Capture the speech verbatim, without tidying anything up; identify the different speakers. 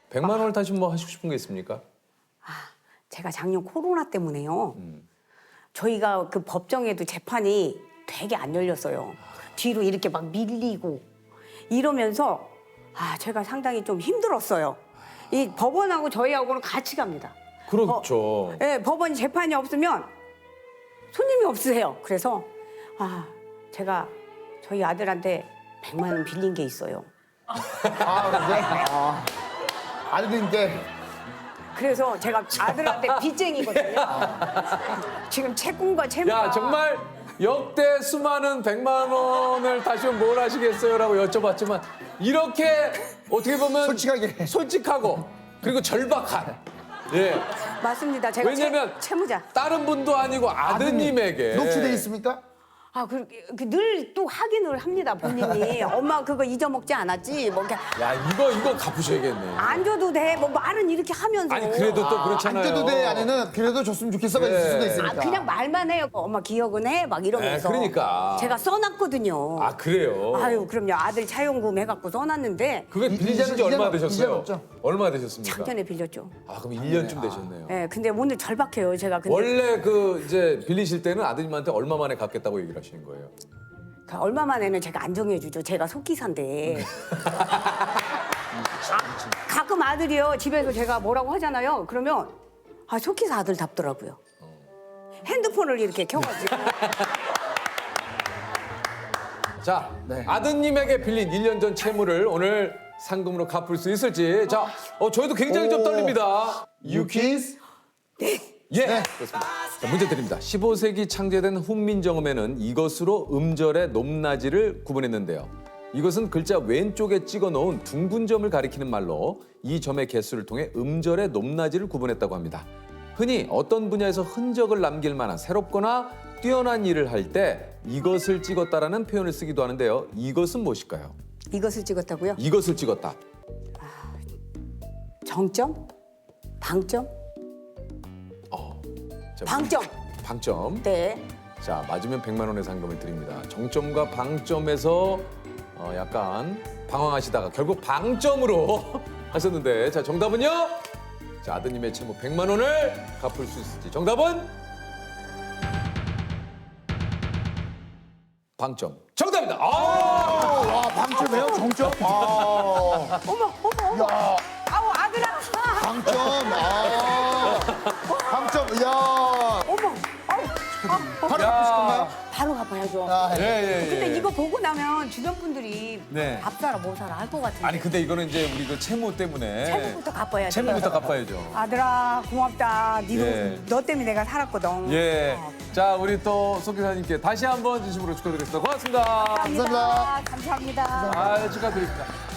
Speaker 1: 백만 원을 다시 뭐 하시고 싶은 게 있습니까?
Speaker 2: 제가 작년 코로나 때문에요. 음. 저희가 그 법정에도 재판이 되게 안 열렸어요. 뒤로 이렇게 막 밀리고 이러면서 아 제가 상당히 좀 힘들었어요. 이 법원하고 저희하고는 같이 갑니다.
Speaker 1: 그렇죠.
Speaker 2: 법, 네, 법원이 재판이 없으면 손님이 없으세요. 그래서 아 제가 저희 아들한테 백만 원 빌린 게 있어요.
Speaker 3: 아, 그래? 아, 아들인데.
Speaker 2: 그래서 제가 아들한테 빚쟁이거든요. 지금 채권과 채무가
Speaker 1: 야 정말 역대 수많은 백만 원을 다시 뭘 하시겠어요라고 여쭤봤지만 이렇게 어떻게 보면
Speaker 3: 솔직하게.
Speaker 1: 솔직하고 그리고 절박한 예
Speaker 2: 맞습니다. 제가
Speaker 1: 왜냐면
Speaker 2: 채, 채무자.
Speaker 1: 다른 분도 아니고 아드님에게
Speaker 3: 녹취돼 있습니까?
Speaker 2: 아, 늘 또 확인을 합니다, 본인이. 엄마 그거 잊어먹지 않았지? 뭐, 이렇게
Speaker 1: 야 이거 이거 갚으셔야겠네.
Speaker 2: 안 줘도 돼? 뭐 말은 이렇게 하면서.
Speaker 1: 아니 그래도 또 그렇잖아요.
Speaker 3: 안 돼도 돼 안에는 그래도 줬으면 좋겠어가 있을 수도
Speaker 2: 아,
Speaker 3: 있으니까.
Speaker 2: 그냥 말만 해요. 엄마 기억은 해? 막 이러면서.
Speaker 1: 네, 그러니까.
Speaker 2: 제가 써놨거든요.
Speaker 1: 아 그래요.
Speaker 2: 아유, 그럼요. 아들 차용금 해갖고 써놨는데
Speaker 1: 그게
Speaker 3: 이-
Speaker 1: 빌리신 지
Speaker 3: 이제는-
Speaker 1: 얼마
Speaker 3: 이제는
Speaker 1: 되셨어요?
Speaker 3: 없죠?
Speaker 1: 얼마 되셨습니까?
Speaker 2: 작년에 빌렸죠.
Speaker 1: 아 그럼 일 년쯤 되셨네요.
Speaker 2: 예, 근데 오늘 절박해요, 제가. 근데
Speaker 1: 원래 그 이제 빌리실 때는 아드님한테 얼마 만에 갚겠다고 얘기를 하시는 거예요?
Speaker 2: 그 얼마 만에는 제가 안 정해주죠. 제가 속기사인데. 아, 가끔 아들이요. 집에서 제가 뭐라고 하잖아요. 그러면 아, 속기사 아들 답더라고요. 핸드폰을 이렇게 켜가지고.
Speaker 1: 자,
Speaker 3: 네.
Speaker 1: 아드님에게 빌린 일 년 전 채무를 오늘 상금으로 갚을 수 있을지. 자, 어, 저희도 굉장히 좀
Speaker 3: 오.
Speaker 1: 떨립니다.
Speaker 3: 유키스?
Speaker 1: 예,
Speaker 3: 네.
Speaker 1: 그렇습니다. 자, 문제 드립니다. 십오 세기 창제된 훈민정음에는 이것으로 음절의 높낮이를 구분했는데요. 이것은 글자 왼쪽에 찍어 놓은 둥근 점을 가리키는 말로 이 점의 개수를 통해 음절의 높낮이를 구분했다고 합니다. 흔히 어떤 분야에서 흔적을 남길 만한 새롭거나 뛰어난 일을 할 때 이것을 찍었다라는 표현을 쓰기도 하는데요. 이것은 무엇일까요?
Speaker 2: 이것을 찍었다고요?
Speaker 1: 이것을 찍었다.
Speaker 2: 정점? 방점?
Speaker 1: 자,
Speaker 2: 방점.
Speaker 1: 방점.
Speaker 2: 네.
Speaker 1: 자, 맞으면 백만 원의 상금을 드립니다. 정점과 방점에서 어, 약간 방황하시다가 결국 방점으로 하셨는데 자, 정답은요? 자, 아드님의 채무 백만 원을 갚을 수 있을지. 정답은 방점. 정답입니다. 아!
Speaker 3: 와, 방점이에요? 정점? 아,
Speaker 2: 어머, 어머, 어머.
Speaker 3: 야,
Speaker 2: 아우, 아들아. 아,
Speaker 3: 방점. 아, 방점. 야,
Speaker 2: 어머. 아우, 아, 어,
Speaker 3: 바로
Speaker 1: 야.
Speaker 3: 갚으실 건가요?
Speaker 2: 바로 갚아야죠.
Speaker 3: 아,
Speaker 1: 예, 예, 예.
Speaker 2: 근데 이거 보고 나면 주변 분들이
Speaker 1: 네.
Speaker 2: 밥 사라 뭐 사라 할 것 같은데.
Speaker 1: 아니 근데 이거는 이제 우리 그 채무 때문에
Speaker 2: 채무부터 갚아야지.
Speaker 1: 채무부터 갚아야죠.
Speaker 2: 아들아 고맙다. 니도
Speaker 1: 예.
Speaker 2: 너 때문에 내가 살았거든.
Speaker 1: 예.
Speaker 2: 어,
Speaker 1: 자, 우리 또 송 기사님께 다시 한번 진심으로 축하드리겠습니다. 고맙습니다.
Speaker 2: 감사합니다.
Speaker 3: 감사합니다.
Speaker 2: 감사합니다.
Speaker 1: 아, 축하드립니다.